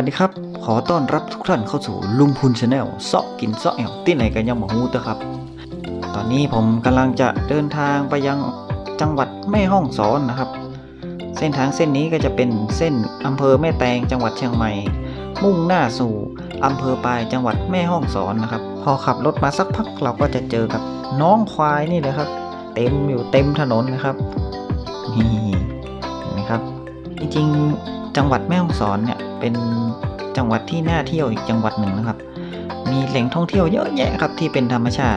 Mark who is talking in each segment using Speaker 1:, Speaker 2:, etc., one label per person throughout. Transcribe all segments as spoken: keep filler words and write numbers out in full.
Speaker 1: ดีครับขอต้อนรับทุกท่านเข้าสู่ลุงพูนชาแนลเซาะกินเซาะแอวที่ไหนกันยังหมอฮูตะครับตอนนี้ผมกำลังจะเดินทางไปยังจังหวัดแม่ฮ่องสอนนะครับเส้นทางเส้นนี้ก็จะเป็นเส้นอำเภอแม่แตงจังหวัดเชียงใหม่มุ่งหน้าสู่อำเภอปายจังหวัดแม่ฮ่องสอนนะครับพอขับรถมาสักพักเราก็จะเจอกับน้องควายนี่เลยครับเต็มอยู่เต็มถนนนะครับนี่เห็นไหมครับจริงๆจังหวัดแม่ฮ่องสอนเนี่ยเป็นจังหวัดที่น่าเที่ยวอีกจังหวัดหนึ่งนะครับมีแหล่งท่องเที่ยวเยอะแยะครับที่เป็นธรรมชาติ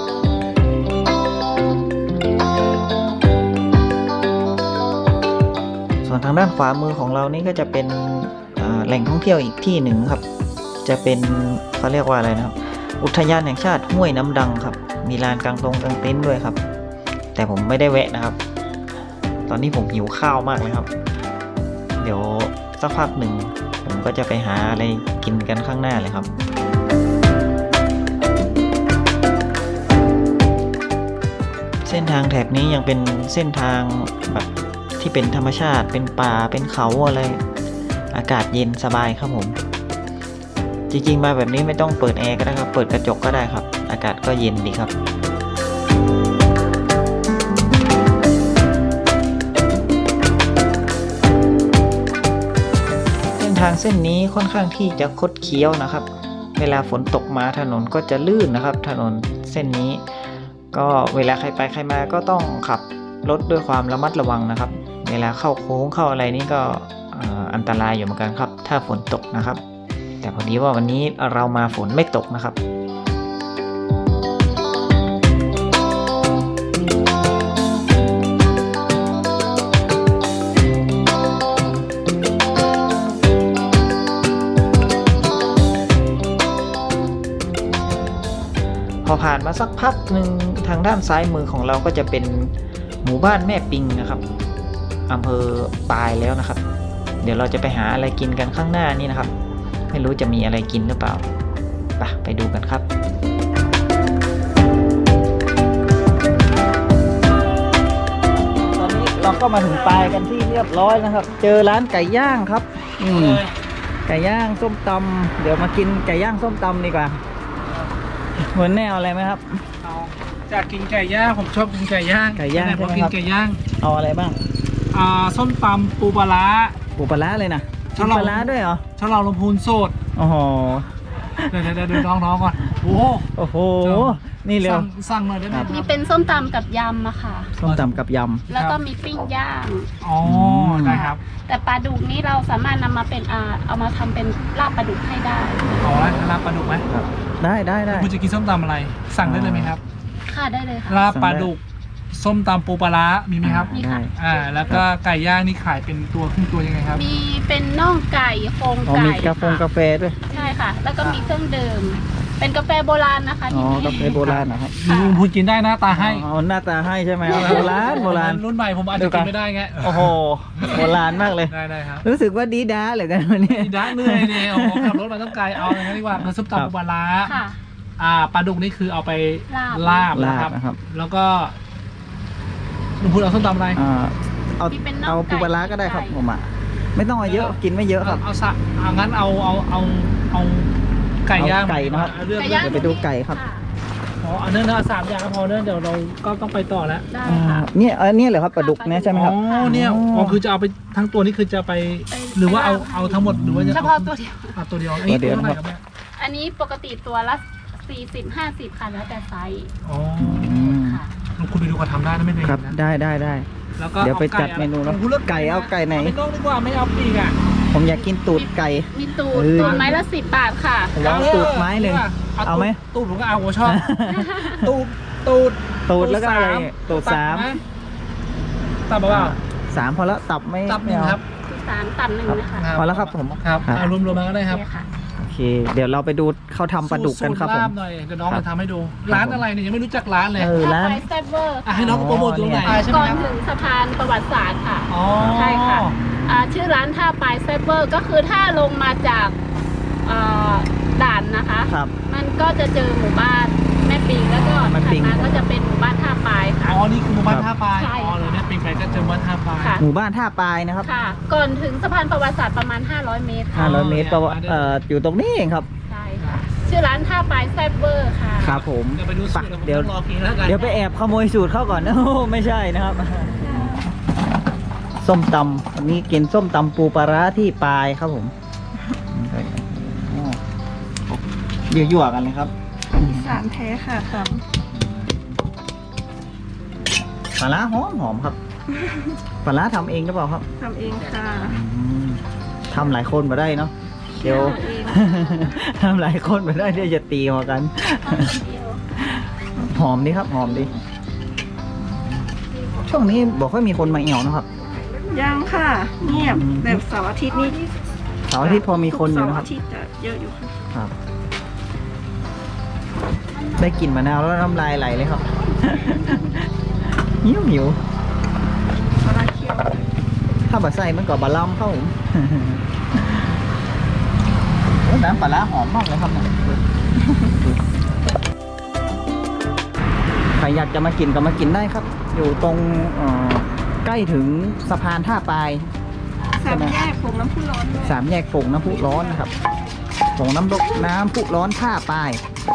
Speaker 1: ส่วนทางด้านขวามือของเรานี่ก็จะเป็นแหล่งท่องเที่ยวอีกที่หนึ่งครับจะเป็นเขาเรียกว่าอะไรนะครับอุทยานแห่งชาติห้วยน้ำดังครับมีลานกลางตรงกลางเต็นท์ด้วยครับแต่ผมไม่ได้แวะนะครับตอนนี้ผมหิวข้าวมากเลยครับเดี๋ยวสักพักหนึ่งผมก็จะไปหาอะไรกินกันข้างหน้าเลยครับเส้นทางแถบนี้ยังเป็นเส้นทางแบบที่เป็นธรรมชาติเป็นป่าเป็นเขาอะไรอากาศเย็นสบายครับผมจริงๆมาแบบนี้ไม่ต้องเปิดแอร์ก็ได้ครับเปิดกระจกก็ได้ครับอากาศก็เย็นดีครับทางเส้นนี้ค่อนข้างที่จะคดเคี้ยวนะครับเวลาฝนตกมาถนนก็จะลื่นนะครับถนนเส้นนี้ก็เวลาใครไปใครมาก็ต้องขับรถด้วยความระมัดระวังนะครับเวลาเข้าโค้งเข้าอะไรนี่ก็อันตรายอยู่เหมือนกันครับถ้าฝนตกนะครับแต่พอดีว่าวันนี้เรามาฝนไม่ตกนะครับพอผ่านมาสักพักหนึ่งทางด้านซ้ายมือของเราก็จะเป็นหมู่บ้านแม่ปิงนะครับอำเภอปายแล้วนะครับเดี๋ยวเราจะไปหาอะไรกินกันข้างหน้านี่นะครับไม่รู้จะมีอะไรกินหรือเปล่าไปไปดูกันครับตอนนี้เราก็มาถึงปายกันที่เรียบร้อยนะครับเจอร้านไก่ย่างครับอืมไก่ย่างส้มตำเดี๋ยวมากินไก่ย่างส้มตำดีกว่าหัวแนวอะไรไหมครับ
Speaker 2: เอาจากกินไก่ย่างผมชอบกินไก่ย่าง
Speaker 1: ไก่ย่างใช่ไหมครับ
Speaker 2: กินไก่ย่าง
Speaker 1: เอาอะไรบ้าง
Speaker 2: อ่าส้มตำปูปลาร้า
Speaker 1: ปูปลาร้าเลยนะปูปลาร้าด้วยเหรอ
Speaker 2: ชะลอลมพูนโสด
Speaker 1: โอ้โห
Speaker 2: เดี๋ยวเดี๋ยวเดี๋ยวน้องๆก่อนโอ้
Speaker 1: โอ้โหนี่เร็ว
Speaker 2: สั่งหน่อยได้ไหมครับ
Speaker 3: มีเป็นส้มตำกับยำอะค่ะ
Speaker 1: ส้มตำกับยำ
Speaker 3: แล้วก็มีปิ้งย่าง
Speaker 2: อ๋อได้ครับ
Speaker 3: แต่ปลาดุกนี้เราสามารถนำมาเป็นอ่าเอามาทำเป็นลาบปลาดุกให้ได้
Speaker 2: อ๋อลาบปลาดุกไหม
Speaker 1: ครับได้ได้ได้
Speaker 2: คุณจะกินส้มตำอะไรสั่งได้เลยไหมครับ
Speaker 3: ค่ะได้เลยค่ะ
Speaker 2: ลาบปลาดุกส้มตำปูปลาร้ามีไหมครับ
Speaker 3: มีค่ะ
Speaker 2: อ่าแล้วก็ไก่ย่างนี่ขายเป็นตัวครึ่งตัวยังไงครับ
Speaker 3: มีเป็นน่องไก่โครงไก่
Speaker 1: มีกาแฟกาแฟด้วย
Speaker 3: ใช่ค่ะแล้วก็มีเครื่องดื่มเป็นกาแฟโบราณนะคะ
Speaker 1: อ๋อกาแฟโบราณนะครับ
Speaker 2: ลุงพูดกินได้หน้าตาให้
Speaker 1: อ๋อหน้าตาให้ใช่ไหมโบราณโบราณ
Speaker 2: รุ่นใหม่ผมอาจจะกินไม่ได้ไง
Speaker 1: โอ้โหโบราณมากเลย
Speaker 2: ได้ได้ครับ
Speaker 1: รู้สึกว่าดีด้าเลยกันวันนี้
Speaker 2: ดีด้าเหนื่อยเนี่ยโอ้ขับรถมาต้องไกลเอาอย่างนี้ดีกว่าคือส้มตำปูปลาร้าอ่าปลาดุกนี่คือเอาไปลาบนะครับแล้วก็ลุงพูดเอาส้มตำอะไร
Speaker 1: อ่าเอาเอาปูปลาร้าก็ได้ครับผมอ่ะไม่ต้องเอาเยอะกินไม่เยอะครับ
Speaker 2: เอาสะเอางั้นเอาเอาเอาเอาไก่ย่าง
Speaker 1: ไก่นะครับเดี๋ยวไปดูไก่ครับ
Speaker 2: อ๋ออันนั้นนะสามอย่างก็พอเนื่องเดี๋ยวเราก็ต้องไปต่อแล้ว
Speaker 1: เนี่ยอันนี้เหรอครับปลาดุกเนี่ยใช่ไหมครับ
Speaker 2: อ๋อเนี่ยอ๋อคือจะเอาไปทั้งตัวนี่คือจะไปหรือว่าเอาเอาทั้งหมดหรือว่าจะ
Speaker 3: เฉพาะตัวเดียว
Speaker 2: เอาตัวเดียวอันนี้ตัวเท่าไหร่ครับเนี่ย
Speaker 3: อันนี้ปกติตัวละสี่สิบห้าสิบค่ะแล้วแต่ไซส์
Speaker 2: อ๋อค่ะลุงคุณไปดูเขาทำได้นะไม่เป็น
Speaker 1: ครับได้ได้ได้
Speaker 2: แล้วก็
Speaker 1: เดี๋ยวไปจัดเมนูแล้วไก่เอาไก่ไหน
Speaker 2: ไม่ต้องดีกว่าไม่เอาปีกอ่ะ
Speaker 1: ผมอยากกินตูดไก่
Speaker 3: มีตูดตูดไม้ละสิบบาทค่ะ
Speaker 1: แล้วตูดไม้หนึ่งเอาไหม
Speaker 2: ตูดผมก็เอาผมชอบตูดตูด
Speaker 1: ตูดแล้วก็อะไรตูดสาม
Speaker 2: ตับเปล่า
Speaker 1: สามพอแล้วตับไม่
Speaker 2: ตับหนึ่งครับ
Speaker 3: สามตับหนึ่งนะคะ
Speaker 1: พอแล้วครับผม
Speaker 2: ครับเอารวมๆมาก็ได้ครับ
Speaker 1: โอเคเดี๋ยวเราไปดูเขาทำปลาดุกกันครับผม
Speaker 2: หน่อยเดี๋ยวน้องจะทำให้ดูร้านอะไรเนี่ยยังไม่รู้จักร้านเลย
Speaker 1: ร้าน
Speaker 3: แซ่บเวอร์
Speaker 2: ให้น้องโปรโมทตรงไหน
Speaker 3: ก่อนถึงสะพานประวัติศาสตร์ค่ะใช่ค่ะชื่อร้านท่าปลายแซ่บเวอร์ก็คือถ้าลงมาจากด่านนะคะมันก็จะเจอหมู่บ้านแม่ปิปิงแล้วก็
Speaker 1: แม่
Speaker 3: ถัด
Speaker 1: ปิง
Speaker 3: มาก็จะเป็นหมู่บ้านท่าปลายค่ะ
Speaker 2: อ๋อนี่คือหมู่บ้านท่าปลาย
Speaker 3: ใช่
Speaker 2: อ๋อเลยเนี่ยปิงไปก็เจอหมู่บ้านท่าปลาย
Speaker 3: ค่ะ
Speaker 1: หมู่บ้านท่าปลายนะครับ
Speaker 3: ค่ะ ก่อนถึงสะพานประวัติศาสตร์ประมาณ ห้าร้อย เมตรค่ะ
Speaker 1: ห้าร้อยเมตรประวัติเอ่ออยู่ตรงนี้เองครับ
Speaker 3: ใช่ค่ะ ชื่อร้านท่าปลายแซ่บเวอร์ค่ะ
Speaker 1: ครับผม
Speaker 2: เดี๋ยวไปดูสูตร
Speaker 1: เดี๋ยว
Speaker 2: ผมรอกินแล้วกัน
Speaker 1: เดี๋ยวไปแอบขโมยสูตรเข้าก่อน โอ้ไม่ใช่นะครับ ส้มตำวันนี้กินส้มตำปูปลาร้าที่ปลายครับผมยั่วๆกันเลยครับ
Speaker 4: สารแท้ค่ะท
Speaker 1: ปลาร้าหอมหอมครับ ปลาร้าทำเองหรือเปล่าครับ
Speaker 4: ำทำเองค่ะ
Speaker 1: อืมทำหลายคนมาได้เนาะเดี๋ยว
Speaker 4: ทำเอง
Speaker 1: ทำหลายคนมาได้เดี๋ยวจะตีมากัน หอมดีครับหอมดี ช่วงนี้บอกว่ามีคนมาเอี่ยวนะครับ
Speaker 4: ยังค่ะ เงียบ
Speaker 1: อืม
Speaker 4: แบบเสาร์อาทิตย์นี่
Speaker 1: เสาร์อาทิตย์พอมีคนอยู่
Speaker 4: เสาร์
Speaker 1: นะครับ
Speaker 4: อาทิตย์จะเยอะอยู่ค่ะ
Speaker 1: ครับ ได้กลิ่นมะนาวแล้วน้ำลายไหลเลยครับ หิวหิว
Speaker 4: ปลาเคี่ยว
Speaker 1: ถ้าบะใส่มันก็บะล่ำเข้าผม โอ้น้ำปลาร้าหอมมากเลยครับเนี่ยใครอยากจะมากินก็มากินได้ครับ อยู่ตรงเอ่อใกล้ถึงสะพานท่าปลาย
Speaker 4: สามแยกผงน้ำพุร้อนด้วย
Speaker 1: สามแยกฝงน้ำพุร้อนนะครับฝงน้ำดกน้ำพุร้อนท่าปลาย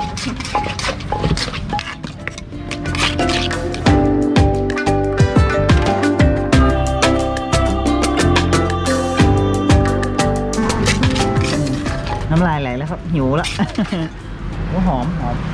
Speaker 1: น้ำลายไหลแล้วครับ หิวละ โอ้หอมหอม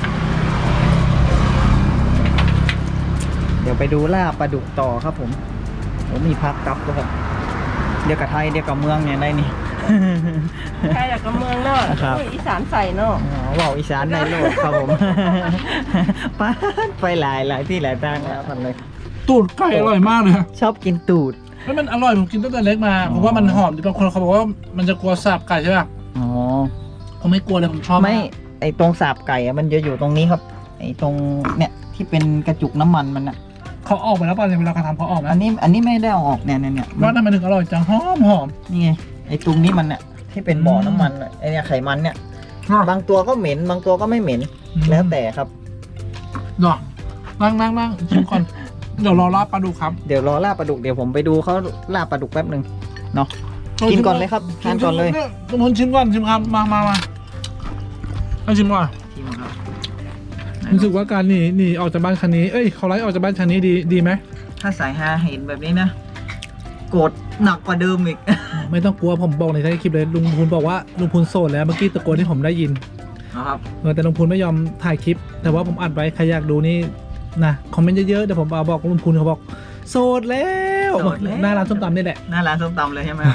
Speaker 1: เดี๋ยวไปดูลาบปลาดุกต่อครับผมผมมีพักกับด้วยครับ เดี๋ยวกับไทยเดี๋ยวกับเมืองเนี่ยได้นี่
Speaker 4: ใครอยากกับเมืองเนาะ
Speaker 1: ครับ
Speaker 4: อีสานใส่เนาะ
Speaker 1: อ๋อว่าวอีสานในโลกครับผม ไปไปหลายหลายที่หลายทางแล้วกันเลย
Speaker 2: ตูดไก่อร่อยมากเลย
Speaker 1: ชอบกินตูด
Speaker 2: แล้วมันอร่อยผมกินตั้งแต่เล็กมา
Speaker 1: อ๋อ
Speaker 2: ผมว่ามันหอมบางคนเขาบอกว่ามันจะกลัวสาบไก่ใช่ป่ะ
Speaker 1: อ๋อ
Speaker 2: ผมไม่กลัวเลยผมชอบาก
Speaker 1: ไม่ไอตรงสาบไก่อะมันจะอยู่ตรงนี้ครับ ไอตรงเนี่ยที่เป็นกระจุกน้ำมันมันอะ
Speaker 2: เขาออกไปแล้วป่ะเนี่ยเวลาเขาทำเขาออกไหม
Speaker 1: อันนี้อันนี้ไม่ได้เอาออกเนี่ยเนี่ยเนี่ย
Speaker 2: ว่าทำไมถึงอร่อยจังหอมหอม
Speaker 1: นี่ไงไอตรงนี้มันเนี่ยที่เป็นบ่อน้ำมันอะไอเนี่ยไขมันเนี่ย บางตัวก็เหม็น บางตัวก็ไม่เหม็น แล้วแต่ครับ
Speaker 2: ดอกนั่งนั่งนั่งชิมก่อน เดี๋ยวรอลาบปลาดุกครับ
Speaker 1: เดี๋ยวรอลาบปลาดุกเดี๋ยวผมไปดูเขาลาบปลาดุกแป๊บหนึ่งเนาะ กินก่อนเลยครับทานก่อนเลย
Speaker 2: ทุกคนชิมก่อนชิมครับมามามาให้ชิมก่อน
Speaker 1: ชิมครับ
Speaker 2: รู้สึกว่าการหนีหนีออกจากบ้านครั้งนี้เอ้ยเขาไล่ออกจากบ้านครั้งนี้ดีดีไหม
Speaker 1: ถ้าสายฮาเห็นแบบนี้นะโกรธหนักกว่าเดิมอีก
Speaker 2: ไม่ต้องกลัวผมบอกในท้ายคลิปเลยลุงพูนบอกว่าลุงพูนโสดแล้วเมื่อกี้ตะโกนที่ผมได้ยิน
Speaker 1: นะครับ
Speaker 2: เออแต่ลุงพูนไม่ยอมถ่ายคลิป แต่ว่าผมอัดไว้ใครอยากดูนี่นะคอมเมนต์เยอะๆเดี๋ยวผมเอาบอกลุงพูนเขาบอกโสดแล้ว
Speaker 1: โสดแล้ว
Speaker 2: หน้าร้านส้มตำนี่แหละ
Speaker 1: หน้าร้านส้มตำเลยใช่ไหมครับ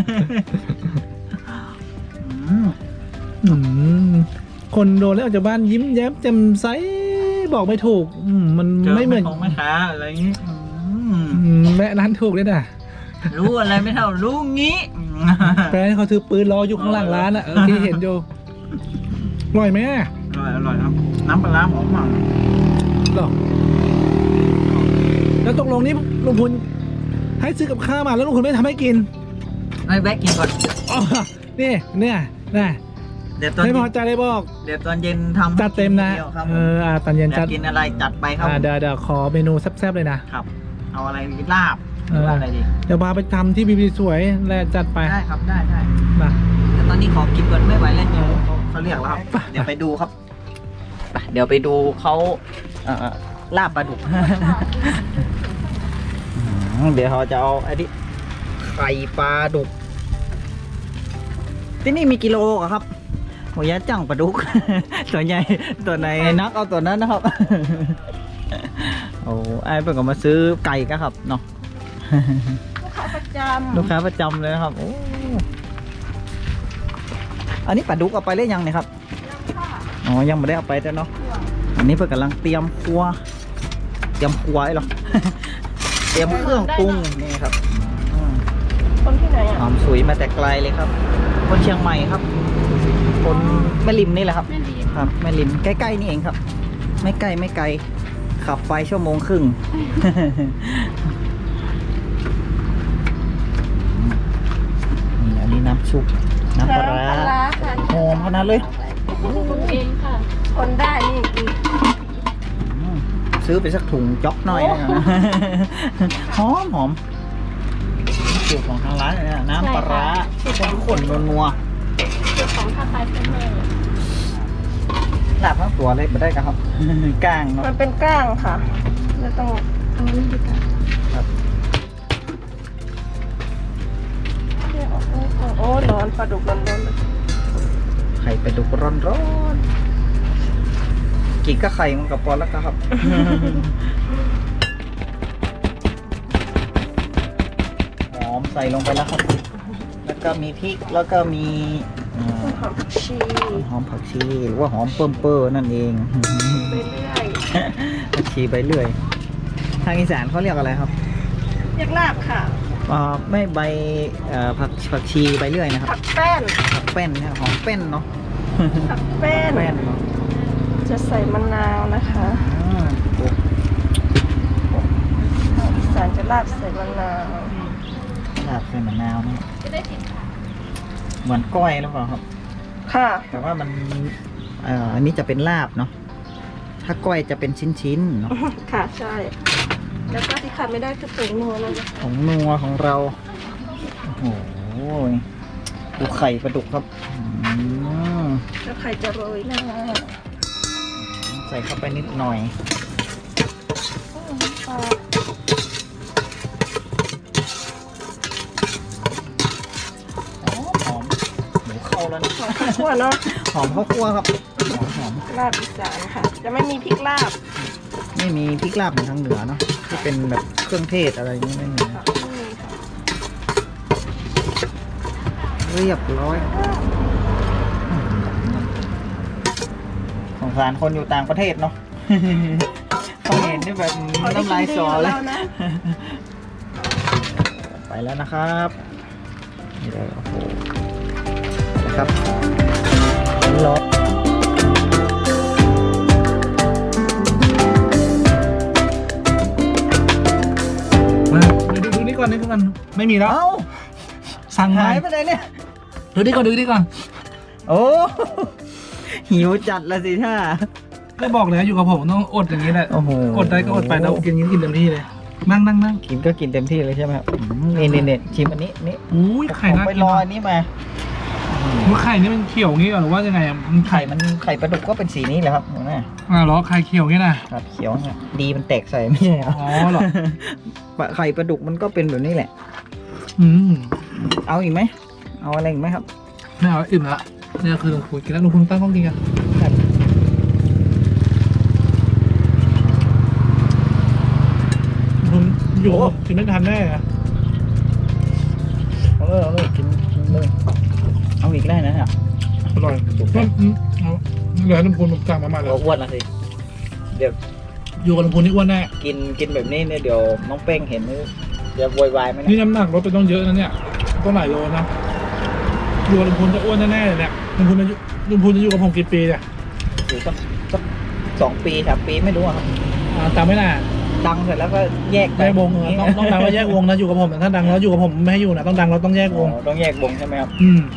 Speaker 1: อืม
Speaker 2: อืมคนโดนแล้วออกจากบ้านยิ้มแย้มแจ่มใสบอกไม่ถูกอืมมัน
Speaker 1: เจอ
Speaker 2: ไม่เหมือน
Speaker 1: แของแม่ค้าอะไรอย่างงี้อืม
Speaker 2: อืมแม่ร้านถูกเลยนะ
Speaker 1: รู้อะไรไม่เท่ารู้งี้
Speaker 2: แฟนเขาถือปืนรออยู่ข้างหลังร้านอ่ะเออที่เห็นอยู่อร่อยไหม
Speaker 1: อร่อยอร่อยครับ น้ำปลาร้าหอมมาก
Speaker 2: หรอแล้วตกลงนี่ลุงพลให้ซื้อกับข้าวมาแล้วลุงพลไม่ทำให้กิน
Speaker 1: ให้แวะกินก่อน
Speaker 2: อ๋อนี่เนี่ยนะ
Speaker 1: เดี๋ยวตอน
Speaker 2: ไม่พ
Speaker 1: เย็
Speaker 2: อนใจเลยบอก
Speaker 1: เดี๋ยวตอนเย็นทำ
Speaker 2: จัดเต็มนะ
Speaker 1: ทีดียวครับ
Speaker 2: เอออ่าตอนเย็น
Speaker 1: อยา
Speaker 2: จั
Speaker 1: ก
Speaker 2: ด
Speaker 1: กินอะไรจัดไปครับ
Speaker 2: อ่าเดี๋ยวเดี๋ยวขอเมนูแซ่บๆเลยนะ
Speaker 1: ครับ เอาอะไรดีลาบห
Speaker 2: เอ
Speaker 1: รือ
Speaker 2: อ
Speaker 1: ว่าอะไรดี
Speaker 2: เดี๋ยวพาไปทำที่บีบีสวยแล้วจัดไป
Speaker 1: ได้ครับได้ได้
Speaker 2: มา
Speaker 1: แต่ตอนนี้ขอกินก่อนไม่ไหวแล้วเดี๋ยว
Speaker 2: เออ
Speaker 1: เขาเขาเรียกแล้วครับ
Speaker 2: ไป
Speaker 1: เดี๋ยวไปดูครับไปเดี๋ยวไปดูเขาเอ่อลาบปลาดุก อืมเดี๋ยวเขาจะเอาไอ้ที่ไข่ปลาดุก ที่นี่มีกิโลเหรอครับโหยะจังปลาดุก ตัวใหญ่ตัวไหนนักเอาตัวนั้นนะครับ โอ้ไอ้เพิ่งก็มาซื้อไก่กันครับเนาะ
Speaker 4: ลูกค้าประจำ
Speaker 1: ลูกค้าประจำเลยนะครับโอ้อันนี้ปลาดุกเอาไปหรือยังเนี่ยครับ อ๋อ ยังไม่ได้เอาไปแต่เนาะ อันนี้เพื่อนกำลังเตรียมครัว เตรียมครัวไอ้หรอ เตรียมเครื่องปรุงนี่ครับอืม
Speaker 4: คนที่ไหน
Speaker 1: ห
Speaker 4: อ่ะ
Speaker 1: อมสุยมาแต่ไกลเลยครับ คนเชียงใหม่ครับ คนแม่ริมนี่แหละครับ
Speaker 3: แม่ลี
Speaker 1: ครับแม่ริมใกล้ๆนี่เองครับ ไม่ไกลไม่ไกล ขับไปชั่วโมงครึ่ง นี่อันนี้น้ำซุปน้ำปลาร้า
Speaker 4: น้ำปลาร้าค่ะ
Speaker 1: หอมขนาดเลย
Speaker 3: ปรุงเองค่ะ
Speaker 4: คนได้นี่อีก
Speaker 1: ซื้อไปสักถุงจ๊อกหน่อยนะหอมหอมสูตรของทางร้านเลยนะน้ำปลาร้าข้นๆนัว
Speaker 3: สูตรของท่าปลายเซเวอร์
Speaker 1: ๆลาบทั้งตัวเลยไม่ได้ครับ ก้างเนาะ
Speaker 4: มันเป็นก้างค่ะจะต้อง
Speaker 3: เอานี่ดีกว่า
Speaker 1: ครับ
Speaker 4: เนี่ยโอ้โหโอ้ร้อนปลาดุกร้อนๆเลย
Speaker 1: ไข่เป็ดดุกร้อนๆกินก็ไข่มันกับปอนแล้วครับ หอมใส่ลงไปแล้วครับ แล้วก็มีพริกแล้วก็มีอ่า
Speaker 4: หอมผักชี
Speaker 1: หอมผักชีหรือว่าหอมเปิ่มเปอร์นั่นเอง
Speaker 4: ไปเรื่อย
Speaker 1: ผักชีใบเลื่อย ทางอีสานเขาเรียกอะไรครับ
Speaker 4: เรียกลาบค่ะ
Speaker 1: อ่าไม่ใบเอ่อผักผักชีใบเลื่อยนะครับ
Speaker 4: ผักแป้น
Speaker 1: ผักแป้นนะหอมแป้นเนาะ
Speaker 4: ผักแป้น
Speaker 1: แป้นเนาะ
Speaker 4: จะใส่มะนาวนะคะ
Speaker 1: อ่าโอ้
Speaker 4: อีสานจะลาบใส่มะนาว
Speaker 1: ลาบใส่มะนาวนี่
Speaker 3: จะได้สินค่ะ
Speaker 1: เหมือนก้อยหรือเปล่าครับ
Speaker 4: ค่ะ
Speaker 1: แต่ว่ามันเอ่ออันนี้จะเป็นลาบเนาะ ถ้าก้อยจะเป็นชิ้นๆเนาะ
Speaker 4: ค่ะใช่ แล้วก็ที่ขาดไม่ได้คือผงนัวเราจะ
Speaker 1: ของนัวของเรา โอ้โห ดูไข่ปลาดุกครับอืม
Speaker 4: แล้วไข่จะโรยหน้า
Speaker 1: ใส่เข้าไปนิดหน่อย
Speaker 4: ปลา
Speaker 1: หอมหมูเข้าแล้วนะ
Speaker 4: หอมข้าวคั่วเนาะ
Speaker 1: หอมข้าวคั่วครับ หอมหอม
Speaker 4: ลาบอีสานค่ะ จะไม่มีพริกลาบ
Speaker 1: ไม่มีพริกลาบเหมือนทางเหนือเนาะ ที่เป็นแบบเครื่องเทศอะไรอย่างนี้ไม่มี
Speaker 4: ค่ะไม่มีค่ะ
Speaker 1: เรียบร้อยสงสารคนอยู่ต่างประเทศเนาะ เขาเห็นนี่แบบ
Speaker 4: เขาได้
Speaker 1: น้ำลาย
Speaker 4: กินดี
Speaker 1: สอก
Speaker 4: ว่า
Speaker 1: เลย
Speaker 4: เรานะ
Speaker 1: ไปแล้วนะครับนี่เลยโอ้โหนะครับรอ
Speaker 2: มาดูดูนี่ก่อนนี่ก่อนไม่มีแล้ว
Speaker 1: เอ้า
Speaker 2: สั่งมา
Speaker 1: หายไปไหนเนี่ย
Speaker 2: ดูนี่ก่อนดูนี่ก่อน
Speaker 1: โอ้ หิวจัดละสิท่า
Speaker 2: ก็บอกเลยอยู่กับผมต้องอดอย่างนี้แหละ
Speaker 1: โอ้โห
Speaker 2: อดได้ก็อดไปเรากินกินเต็มที่เลย นั่งนั่งนั่ง
Speaker 1: กินก็กินเต็มที่เลยใช่ไหมครับอืมนี่นี่นี่ชิมอันนี้นี่
Speaker 2: อุ้ยไข่
Speaker 1: ผม
Speaker 2: น่า
Speaker 1: ไป
Speaker 2: กิน
Speaker 1: รอ
Speaker 2: ว่ะ
Speaker 1: อันนี้มา
Speaker 2: มันไข่นี่มันเขียวงี้ก่อนหรือว่ายังไงอ่ะมันไข่
Speaker 1: ไข่มันไข่ปลาดุกก็เป็นสีนี้แหละครับเห็นไหม
Speaker 2: อ่าเหรอไข่เขียวงี้นะครับ
Speaker 1: เขียวเนี่ยดีมันแตกใส่ไม่ใช่เหรอ
Speaker 2: อ๋อเหรอ
Speaker 1: ปลาไข่ปลาดุกมันก็เป็นแบบนี้แหละ
Speaker 2: อืม
Speaker 1: เอาอีกไหมเอาอะไรอีกไหมครับ
Speaker 2: ไม่เอาอิ่มละเนี่ยคือลุงพูนกินแล้วลุงพูนตั้งกล้องกินกันลุงอยู่กับผมกินไม่ทันแน่อะ
Speaker 1: เอาเลยเอาเลยกินกินเลยเอาอีกได้นะเนี่ย
Speaker 2: อร่อยอืมเอาเหลือลุงพูนผมสั่งมาใหม่เลย
Speaker 1: เราอ้วนละสิเดี๋ยว
Speaker 2: อยู่กับลุงพูนนี่อ้วนแน่
Speaker 1: กินกินแบบนี้เนี่ยเดี๋ยวน้องเป้งเห็นจะโวยวายไหม
Speaker 2: นี่
Speaker 1: เนี่ย
Speaker 2: น้ำหนักลดไปต้องเยอะนะเนี่ยต้องหลายโลนะอยู่กับลุงพูนจะอ้วนแน่ๆเลยเนี่ยลุงพูนจะอยู่ลุงพูนจะอยู่กับผมกี่ปีเนี่ย
Speaker 1: อยู่สักสักสองปีสามปีไม่รู้อะครับ
Speaker 2: อ่าจำไม่น่า
Speaker 1: ดังเสร็จแล้วก็แยกไป
Speaker 2: แยกวงเออต้องต้องดังแล้วแยกวงนะอยู่กับผมแต่ถ้าดังแล้วอยู่กับผมไม่ให้อยู่นะต้องดังแล้วต้องแยกวง
Speaker 1: อ๋อต้องแยกวงใช่ไหมครับ
Speaker 2: อืม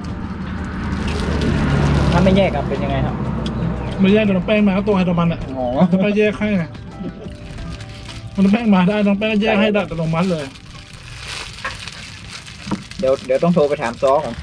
Speaker 1: ถ้าไม่แยกครับเป็นยังไงครับ
Speaker 2: ไม่แยกเดี๋ยวน้องแป้งมาก็ตัวไฮโดรมันอ่ะ
Speaker 1: อ๋อ
Speaker 2: น้องแป้งแยกให้ไงน้องแป้งมาได้น้องแป้งก็แยกให้ได้แต่ลงมัดเลย
Speaker 1: เดี๋ยวเดี๋ยวต้องโทรไปถามซอก่อน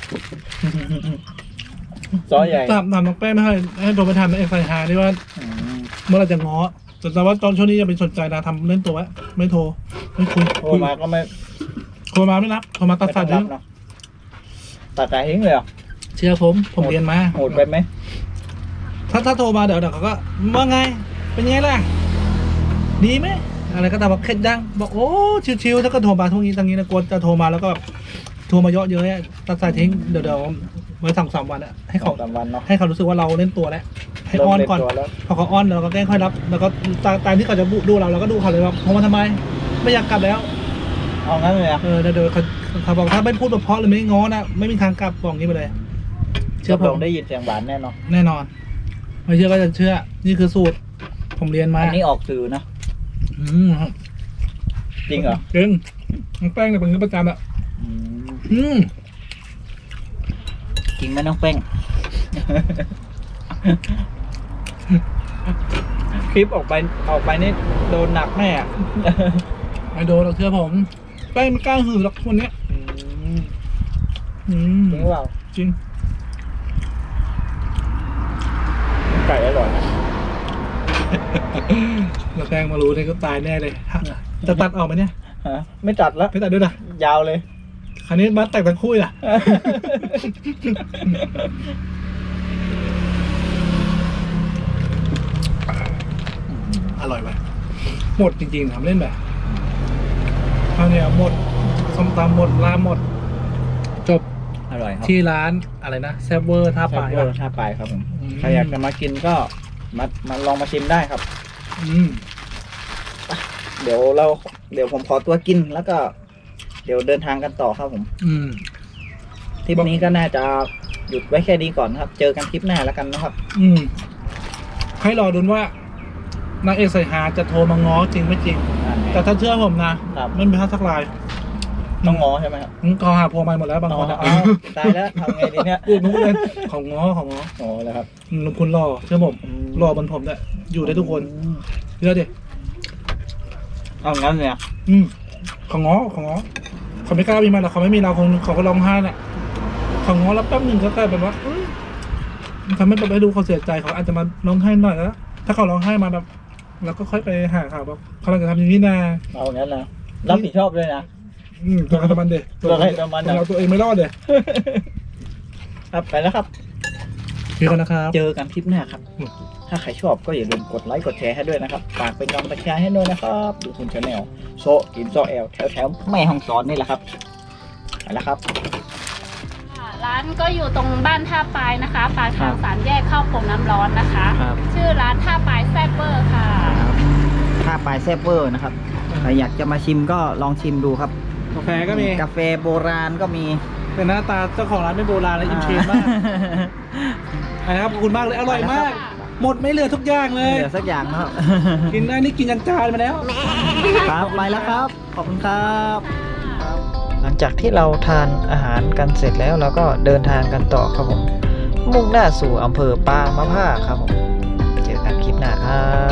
Speaker 1: ซอใหญ่
Speaker 2: ตามตามน้องแป้งไม่ให้ให้โทรไปทำเอ็กไซฮาที่ว่า
Speaker 1: อืม
Speaker 2: เมื่อไหรจะง้อแต่แต่ว่าตอนช่วงนี้ยังเป็นสนใจนะทำเล่นตัวไว้ไม่โทรไม่คุย
Speaker 1: โทรมาก็ไม่
Speaker 2: โทรมาไม่รับโทรมาตัดสาย
Speaker 1: ไม่ต้
Speaker 2: ทิ้
Speaker 1: อง งรับเนาะตัดสายทิ้งเลยเหรอ
Speaker 2: เชื่อผมผมเรียนมา
Speaker 1: โหดไปไหม
Speaker 2: ถ้าถ้าโทรมาเดี๋ยวเดี๋ยวเขาก็ว่าไงเป็นไงล่ะดีไหมอะไรก็ตามบอกเคล็ดยังบอกโอ้ชิวๆถ้าก็โทรมาทุกนี้ทางนี้นะกลัวจะโทรมาแล้วก็โทรมาเยอะเยอะตัดสายทิ้งเดี๋ยวเดี๋ยวไว้สองสามวันอะให้
Speaker 1: สอ
Speaker 2: เขา
Speaker 1: งสามวันเนาะ
Speaker 2: ให้เขารู้สึกว่าเราเล่นตัวแล้วให้อ้อนก่อน
Speaker 1: เริ่มเล่นตัวแล้ว
Speaker 2: พอเขาอ้อนเราก็แกล้งค่อยรับ แล้วก็ตามตามที่เขาจะดูเราเราก็ดูเขาเลยว่าโทรมาทำไม ไม่อยากกลับแล้ว
Speaker 1: เอางั้นเลยอ่ะ
Speaker 2: เออเดี๋ยวเดี๋ยวเขาเขาบอกถ้าไม่พูดเพราะหรือไม่ง้อนะไม่มีทางกลับบอกงี้ไปเลย เชื่อผ
Speaker 1: ล
Speaker 2: ม
Speaker 1: งได้ยินเสียงหวานแน่นอน
Speaker 2: แน่นอนไม่เชื่อก็จะเชื่อ นี่คือสูตร ผมเรียนมา
Speaker 1: อันนี้ออกสื่อนะ
Speaker 2: อืม
Speaker 1: จริงเหรอ
Speaker 2: จริงน้องแป้งเนี่ยเป็นเงินประจำอ่ะ
Speaker 1: อืม
Speaker 2: อืม
Speaker 1: จริงไหมน้องเป้งคลิปออกไปออกไปนี่โดนหนักแน่อะ
Speaker 2: ไม่โดนเราเชื่อผมแป้งไม่กล้าหือหรอกคนเนี้ยอืม
Speaker 1: จริงหรือเปล่า
Speaker 2: จริง
Speaker 1: ไก่อร่อยนะ
Speaker 2: แล้วแป้งมารู้เนี่ยก็ตายแน่เลยฮะจะตัดออกไหมเนี่ย
Speaker 1: ฮะไม่จัดแล้ว
Speaker 2: ไม่ตัดด้วยนะ
Speaker 1: ยาวเลย
Speaker 2: คราวนี้มาแต่งทั้งคู่ล่ะ อร่อยไหมหมดจริงๆทำเล่นแบบคราวเนี้ยหมดส้มตำหมดลามหมด จบ
Speaker 1: อร่อยครับ
Speaker 2: ที่ร้านอะไรนะแซบเวอร์ท่า
Speaker 1: แซ่
Speaker 2: ปลา
Speaker 1: บ
Speaker 2: ย
Speaker 1: เวอร์ท่าปลายครับผม
Speaker 2: อืม
Speaker 1: ใครอยากจะมากินก็มามาลองมาชิมได้ครับ
Speaker 2: อืม
Speaker 1: เดี๋ยวเราเดี๋ยวผมขอตัวกินแล้วก็ เดี๋ยวเดินทางกันต่อครับผม
Speaker 2: อืม
Speaker 1: ทริปนี้ก็น่าจะหยุดไว้แค่นี้ก่อนครับ เจอกันคลิปหน้าแล้วกันนะครับ
Speaker 2: อืม ให้รอดูว่านางเอกใส่หาจะโทรมาง้อจริงไม่จริง แต่ถ้าเชื่อผมนะครับ ไม่มีท่าทักลาย
Speaker 1: ต้องงอใช่ไหมครับ
Speaker 2: อืมเขาหาพวงมาหมดแล้วบางคนอะ
Speaker 1: อ๋อตายแล้วทำไงดีเนี่ย
Speaker 2: พูดนู้นเลยของง้อของง้อ
Speaker 1: อ๋อแล้วครับ
Speaker 2: อืมลุงคุณรอเชื่อผมรอบนผมด้วยอยู่ได้ทุกคนเชื่อดิ
Speaker 1: เอางั้นเนี่ย
Speaker 2: อืมของง้อของง้อเขาไม่กล้ามีมันหรอกเขาไม่มีเราคงเขาก็ร้องไห้แหละของง้อแล้วแป๊บหนึ่งก็กลายเป็นว่าอืมมันทำให้แบบให้ดูเขาเสียใจเขาอาจจะมาร้องไห้หน่อยแล้วถ้าเขาร้องไห้มาแบบเราก็ค่อยไปหาเขาแบบเขากำลังจะทำอย่างนี้นะ
Speaker 1: เอางั้นนะรับผิดชอบด้วยนะ
Speaker 2: อืมตัวใครตัวมันเด็ก
Speaker 1: ตัวใครตัวมันอะ
Speaker 2: เราตัวเองไม่รอดเลย
Speaker 1: ครับไปแล้วครับ
Speaker 2: พี่คนนะครับ
Speaker 1: เจอกันคลิปหน้าครับ
Speaker 2: อืม
Speaker 1: ถ้าใครชอบก็อย่าลืมกดไลค์กดแชร์ให้ด้วยนะครับฝากเป็นกำลังใจให้ด้วยนะครับดูคุณชาแนลโซกินโซแอลแถวแถวๆแม่ห้องสอนนี่แหละครับไปแล้วครับ
Speaker 3: ค่ะร้านก็อยู่ตรงบ้านท่าปลายนะคะปากทาง
Speaker 1: ครับ
Speaker 3: สามแยกเข้าโป่งน้ำร้อนนะคะ
Speaker 1: ครับ
Speaker 3: ชื่อร้านท่าปลายแซ่บเบอร์ค่ะ
Speaker 1: ถ้าปลายแซบเวอร์นะครับใครอยากจะมาชิมก็ลองชิมดูครับ
Speaker 2: กาแฟก็มี
Speaker 1: กาแฟโบราณก็มี
Speaker 2: เป็นหน้าตาเจ้าของร้านไม่โบราณและอินเทรนด์มากนะครับขอบคุณมากเลยอร่อยมาก หมดไม่เหลือทุกอย่างเล
Speaker 1: ไม่
Speaker 2: ย
Speaker 1: เหลือสักอย่างนะครับ
Speaker 2: กินได้นี่กินยันจานมาแล้ว
Speaker 1: ครับไปแล้วครับ ขอบคุณครับ หลังจากที่เราทานอาหารกันเสร็จแล้วเราก็เดินทางกันต่อครับผม มุ่งหน้าสู่อำเภอปางมะผ้าครับผม เจอกันคลิปหน้าครับ